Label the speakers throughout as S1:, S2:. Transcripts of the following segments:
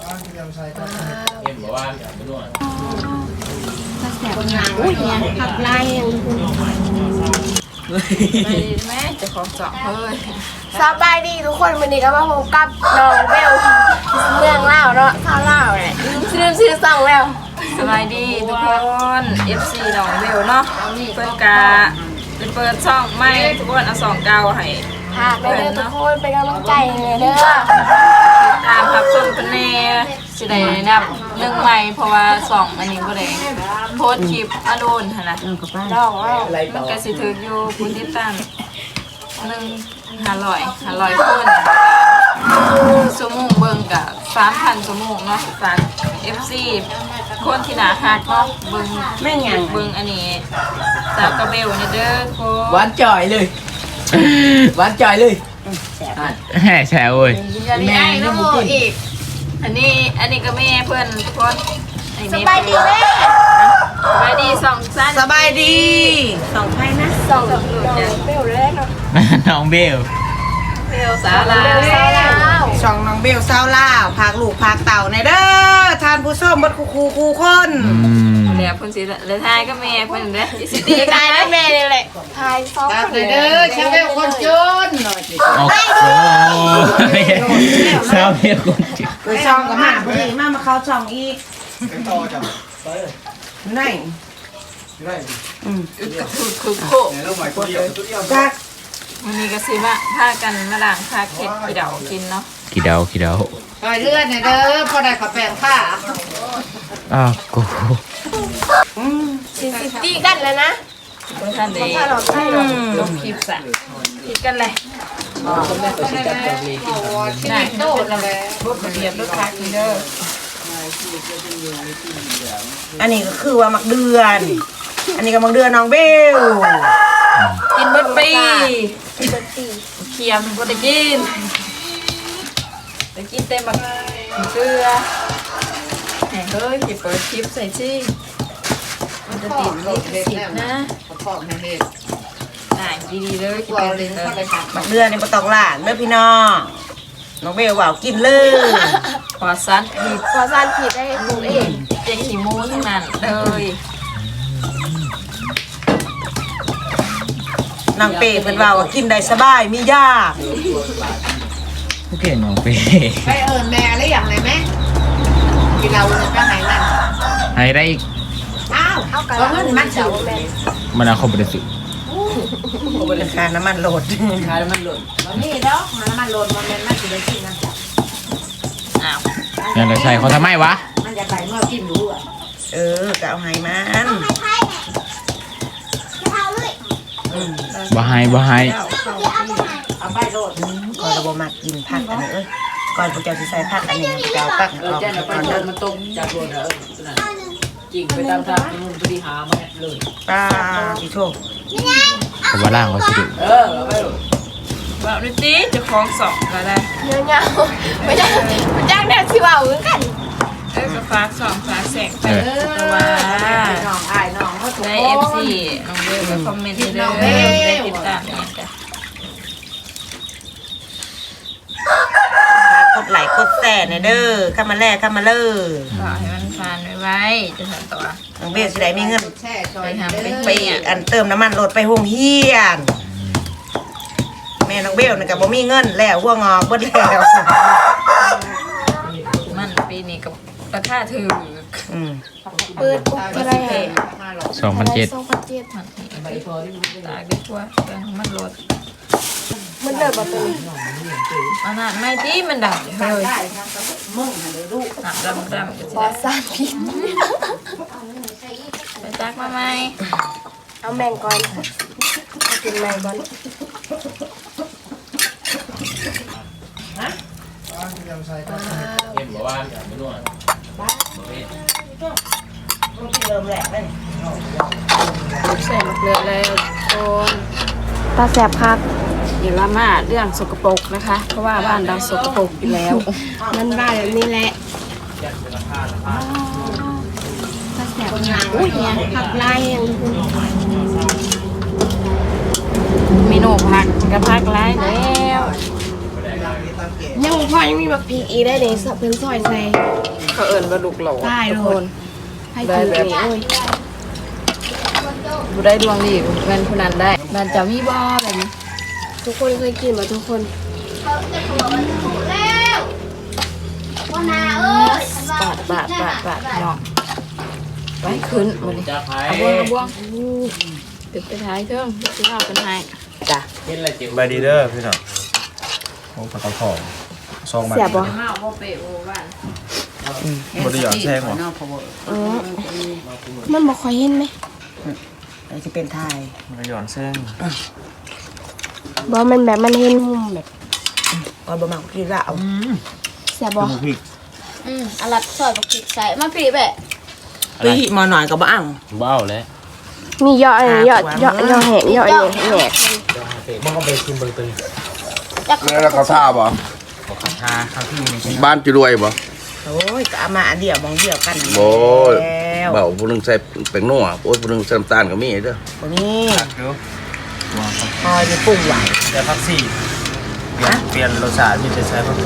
S1: เห็นบอกว่าเป็นนวด
S2: ถ้าแสบหนังอุ้ยเนี่ยขับไล่ยัง
S3: แม่จะขอสอบเฮ้ย
S2: สบายดีทุกคนวันนี้ก็มาพบกับน้องเบลเมืองเล่าเนาะท่าเล่าเนี่ยชื่อซองแล้ว
S3: สบายดีทุกคน FC น้องเบลเนาะเปิดกาเปิดช่องไม่ทุกคนเอา2 เก้าให้
S2: ค่ะไปเด้อทุกคนเป็นกำลังใจเลยเด้อ
S3: ตามรับชมกันแน่สิได้นับเรื่องใหม่เพราะว่า2อันนี้บ่ได้โพสต์คลิปอโดนหั่นน่ะ
S2: น้องว่า
S3: มันก็สิถึกอยู่ผู้ติดตาม500คนชั่วโมงเบิ่งก็ 3,000 ชั่วโมงเนาะฝาก FC คนที่น่าฮักเนาะเบิ่ง
S2: แม่งหยัง
S3: เบิ่งอันนี้สาวกระเบลนี่เด้อโค
S4: หวานจ่อยเลยหวานจ่อยเลย
S1: แห่แฉเว้ย
S3: แม่น้องโมอีกอันนี้ก็แม่เพื่อนทุกคน
S2: สบายดีแม่
S3: สบายดี2 สั้น
S4: สบายดี
S2: 2 ให้นะ2น้องเบลเลยเนาะ
S1: น้องเบล
S3: เบลสาวลาว
S4: ช่องน้องเบลสาวลาวพากลูกพากเต่าในเด้อทานผู้ส้มบดคูคน
S3: เดี๋ยวพุ่นสิเลยทายก็แม่เพิ่นเด้อสิตี
S2: ทายแม่นี่แหละทาย2คน
S4: เด้อชาวเบลคนจนหน่อยสิ
S1: โอ้สาวเบลคนจน
S4: ไปช่องกับมาพอดีมาเข้าช่องอีกต่อจ้ะไหน
S3: อึกกระทุกคือโค
S4: จัก
S3: วันนี้ก็สิว่าพากันมาล้างผ้าเค็ดขี้เดากินเนาะ
S1: กี่เดา
S4: ต่อยเลือดเด้อพอได้ขอแปลงผ้า
S1: อ้าวกู
S2: ตีกันแล้วนะ
S3: ท่านเองลงคลิปซะคิดกันเลยได้โตแล้วแหละรถเรียบรถคักนี่เด้อ
S4: อันนี้ก็คือว่ามักเดือนอันนี้ก็มักเดือนน้องเบล
S3: กินเบิดปีเคียมบ่ได้กินได้กินเต็มบักเกลือเฮ้ยสิเปิดคลิปใส่สิมันจะติดลิขสิทธิ์นะได้ดีๆเลยกินเลย
S4: มักเดือนนี่บ่ต้องล้างเด้อพี่น้องน้องเบลว่ากินเลย
S3: พอซันผิด
S2: ได้ปรุงเอง
S3: เจ๊ขี้มูทั้งนั้นเลย
S4: นางเป้เป็นว่ากินได้สบายมียาก
S1: โอเคน้องเป้
S4: ไปแม่อะไรอย่างไรแม่กินเราจะหายนั่น
S1: ให้ได้อีก
S4: อ้าวเอาเงินมันเฉาแม่
S1: มันเอาเข้าไปสิ
S4: ราคาน้ำมันโหลดมันนี่เนาะน้ำมันโหลดมันน่าจะได้กินนะ
S3: อ้าว
S1: ยังจะใส่เขาทำไมวะ
S4: มันจะใส่เมื่อกินดูอ่ะก็เอาให้มัน
S1: บ่ให้
S4: เอาไปโหลดก่อนเราบ่มากินผักอันนี้ก่อนพวกเจ้าสิใส่ผักอันนี้เจ้าตักออกก่อนเดิน
S5: มันต้มจากโหลดจริงไปตามทางนู่นพอดีหามาเลย
S4: ป้าพี่โชค
S1: เขาว่าล่างเขาสิดุ
S5: เอาไปโหลด
S3: แบบนี้ตีจะคล้อง2ก็ได้
S2: เงี้ยไม่ได้มันจ้างแนวสิว่าเหมือนกัน
S3: ก็ฝาก2ฝากแสงไปแต่ว่า
S4: น้องอายน้องเขาถูก
S3: ใน FC น้องเบลไปคอมเมนต์เด้อได้ติดตามเนี่ยจ้ะ
S4: กดไลค์กดแชร์เด้อเข้ามาแลกเข้ามาเลย
S3: ขอให้มันผ่านไว้จะทำต่อ
S4: น้องเบลสิได้มีเงิน
S3: ไปทำ
S4: ไปอันเติมน้ำมันรถไปโรงเรียนแม่น้องเบลนี่ก็บ่มีเงินแล้วหัวงอกเบิดแล้ว
S3: มันปีนี้กับราคาถือ
S2: เปิดปุ๊บอะไร
S1: 2,700
S3: ตายไปทั่วแกงมันลด
S2: มันเดินมาตัว
S3: อันนั้นไม่ที่มันดังเลยดำ
S2: บอสานผิด
S3: ไปจักมาไหม
S2: เอาแมงก่อนเอากินแมงก่อน
S1: เห็นบอกว่าเป็นนวด
S4: เริ่มแหลกเลย
S3: ใส่มะเขือแล้วโอน
S2: ตาแสบครับ
S3: อย่าละมาเรื่องสกปรกนะคะเพราะว่าบ้านเราสกปรกอยู่แล้ว
S2: มันบ้าแบบนี้แหละตาแสบหนังอุ้ยเนี่ยขับไล่ยัง
S3: เมนูผักกับผักไล่แล้ว
S2: ยังพอยังมีบักพริกอีได้เลยสับเป็นซอยใส่
S3: เขาเอิญว่าลูกหลง
S2: ได้โดนให้ถือนี่โอ้ย
S3: บุได้ดวงดีเงินผู้นั้นได้บ้านเจ้ามีบ่แบบนี้
S2: ทุกคนเคยกินมาทุกคน
S3: บาทน้องไว้ขึ้นมาเลย
S1: จะไผ่
S3: เอาบ่วงติดไปท้ายเครื่องที่เราเป็นไห้
S4: จ้ะ
S1: เห็นอะไรจิ๋ว
S6: บายดีเด้อพี่น้องโอ้ปลากระป๋องซองมา
S2: เสียบบ่
S3: มาบ่เปะโอ้บ้าน
S6: บริยอนแช่งหรอ
S2: อ๋อมันบ่ค่อยเห็นไหม
S4: อันนี้จะเป็นไทย
S6: บริยอนแช่ง
S2: บ่มันแบบมันเห็นมุมแบบ
S4: ก่อนบ่มากินละเอา
S2: เสียบบ่
S6: หมูพริก
S7: อลัดซอยบักพริกใส่มาปีแบบ
S4: ปีมาหน่อยก็บ่อ่าง
S1: บ้าแล้ว
S2: มียอดอะไรยอดแหงยอดอันนี้แหนก
S1: มันก็ไปกินเบอร์ตึง
S8: แล้วเขาท่าบ่
S6: ชาข้าวที่มี
S8: บ้านจะรวยบ่
S4: โอ้ยก็เอามาอันเดียวมองเดียวกัน
S8: โอ้ย
S4: แล้ว
S8: เบาผู้หนึงใส่แป้งนัวโอ้ยผู้หนึงใส่น้ำตาลก็มีเด้อ
S4: วันนี้
S6: เดี๋ยว
S4: คอยจะปรุงหวาน
S6: แต่ผักซี่เปลี่ยนรสชาติมีแต่ใช้ผักซี่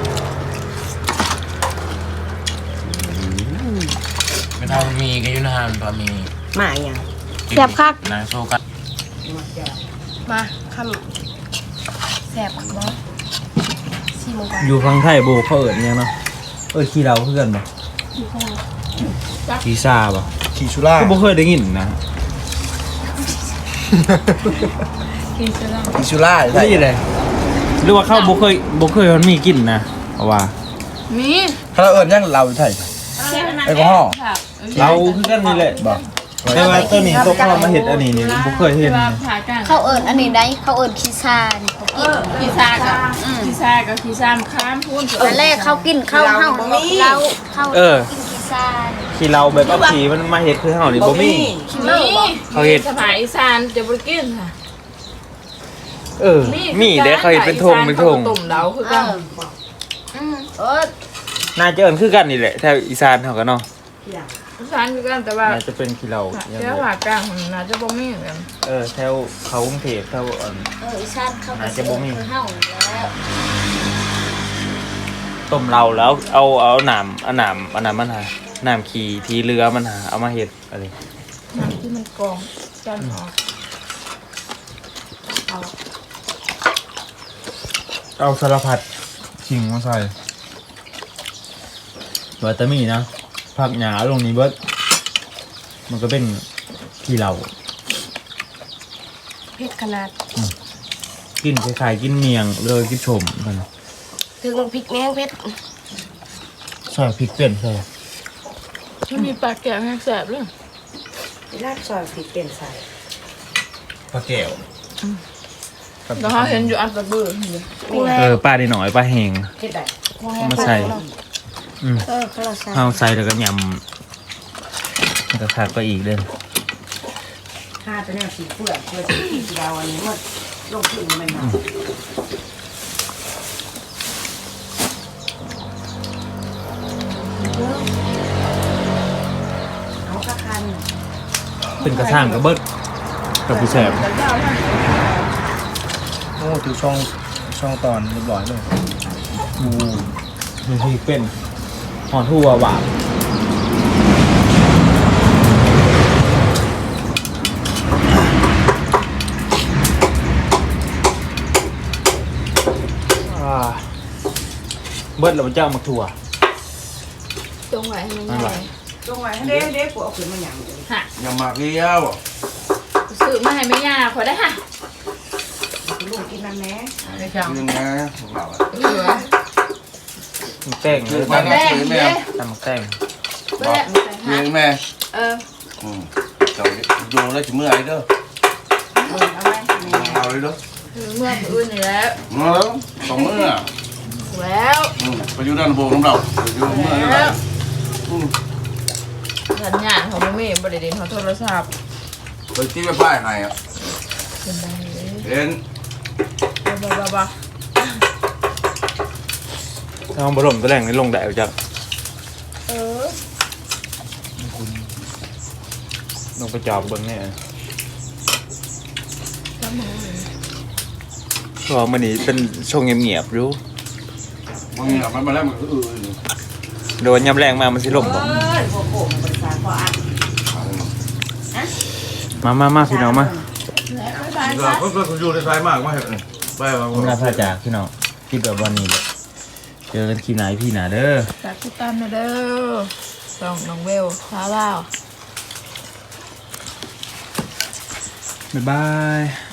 S1: ไม่เท่ามีก็อยู่นานพอมี
S4: มาอย่าง
S2: เสียบคัก
S1: นางโซกัน
S2: มาคำแสบบ่ซีมังกร
S6: อยู่ฟังไทยโบเขาเอิญยังเนาะขี้เราเพื่อนบ่ขี้ซาบ่ขี้ชุล่าก็บ่เคยได้ยินนะ
S8: อิชูล่า
S6: ได้ยินเลยหรือว่าเขาบ่เคยมันมีกลิ่นนะเอาว่า
S3: มี
S8: ถ้าเราเอิ้นยังเราไทยแอลกอฮอล์
S6: เราคือกันนี่แหละบ่แต่ว่าตัวนี้ตัวเขามาเฮ็ดอันนี้นี่บ่เคยเห็น
S3: ผ่ากัน
S7: เขาเอิญอันนี้ได้เขาเอิญขี้ซานี่เขากิน
S3: ขี้ซากับขี้ซากับขี้ซามข้ามพูน
S7: ตอนแรกเขากินข้าวเฮาเราเขากินขี้ซานี่
S6: ขี้เราแบบเอาขี้มันมาเฮ็ดคือเฮานี่บ่มี
S3: นี่
S6: เขาเฮ็ด
S3: สมัยอีสานจะบ่กินค่ะ
S6: มีเด้เขาเฮ็ดเป็นธงเป็นธง
S3: ตุ่มเดาคือกัน
S6: น่าจะเอิ้นคือกันนี่แหละแถวอีสานเฮาก็เนาะ
S3: อีสานคือกันแต่ว่า
S6: น่าจะเป็นขี้เราอย่าง
S3: เจ้า
S6: เดียว
S3: ผากลางมันน่าจะบ่มีกัน
S6: แถวเขากรุงเทพแถว
S7: อีสานเขาก็สิคือเฮาแล้ว
S6: ต้มเราแล้วเอาหนามมันหาหนามขี้ที่เรือมันหาเอามาเฮ็ดอะไร
S3: น้ำที่มันกรองจานออก
S6: เอาสารพัดขิงมาใส่วัตามีนะผักหญ้าลงนี้เบิดมันก็เป็นขี้เรา
S2: เผ็ดขนาด
S6: กินคล้ายๆกินเมียงเลยกินชมกัน
S2: ถึงพริกแมงเผ็ด
S6: ใส่พริกเป็นใส่
S3: มันมีปลาแก้วแห้งแสบเลย
S4: ลาดซอยพริกเป็นใส่
S6: ปลาแก้ว
S3: แล้วเขาเห็นอยู่อันตะบื้อ
S6: ปลาดีหน่อยปลาแห้ง
S4: เฮ็ดได้
S6: เอามาใส่
S4: เขาเราใส่
S6: เอาใส่แล้วก็ยำมันก็ขาดไปอีกเด้อ
S4: ข้าจะเนี่ยสีเปลือกเพื่อสีดาวอันนี้หมดลงขึ้นมันมาเอาข้าคัน
S6: เป็นกระช่างกระเบิดกับผู้แสบ
S8: โอ้ถือช่องตอนเรียบร้อยเลย
S6: มีพริกเป็นหอมทั่วหวานเบิดแล้วมันจะเอามาถั่ว
S3: ตรงไหนให้มัน
S6: นั่นแห
S3: ให
S6: ละ
S3: ญ่
S4: ลงไว้ให้เด็กๆกูเอาขึ้นมาหยังเลย
S3: ฮะ
S8: อย่ามาเกี้ยว
S3: ซื้อมาให้ไม่ยากขอได้ค่ะ
S4: ลูกกินมันแม่
S8: นี่นะของเราอะ
S3: เหลือ
S6: มันแป้งเลย
S8: มาหน้าซื้อแม่
S6: ตำแป้ง
S8: บอกเลี้ยงแม่
S3: เออ
S8: เจ้าดูแล้วจะเมื่อยเด้อเอาเลยเด้อ
S3: เมื่ออื่นนี่แล้ว
S8: มาแล้วสองมื้อ
S3: แล้ว
S8: ไปอยู่ด้านบนของเราไปอยู่เมื่อยแล้ว
S3: สัญญาณของแม่บริเวณของโทรศัพท์
S8: ไปที่ไปป้ายให้อ่ะเห็น
S3: บ้า
S6: ถ้าเอาบรมตัวแรงนี่ลงได้จักลงไปจอบเบิ้งเนี่ยเพราะว่ามันนี่เป็นช่วงเงียบๆรู้
S8: บางอย่างมันมาแล้วมันก็
S6: โดนยำแรงมามันสิล่มบ่
S4: หัวโขกบริษัทพออ่ะ
S6: มาพี่น้องมา
S8: ก็อยู่ในสายมากมาเห็นไปมา
S6: ผมลาพาจากพี่น้องที่แบบวันนี้เลยเจอกันคลิปไหนพี่หนาเด้อ
S3: ฝากติดตามหน่อยเด้อส่องน้องเวลสาวลาว
S6: บ๊ายบาย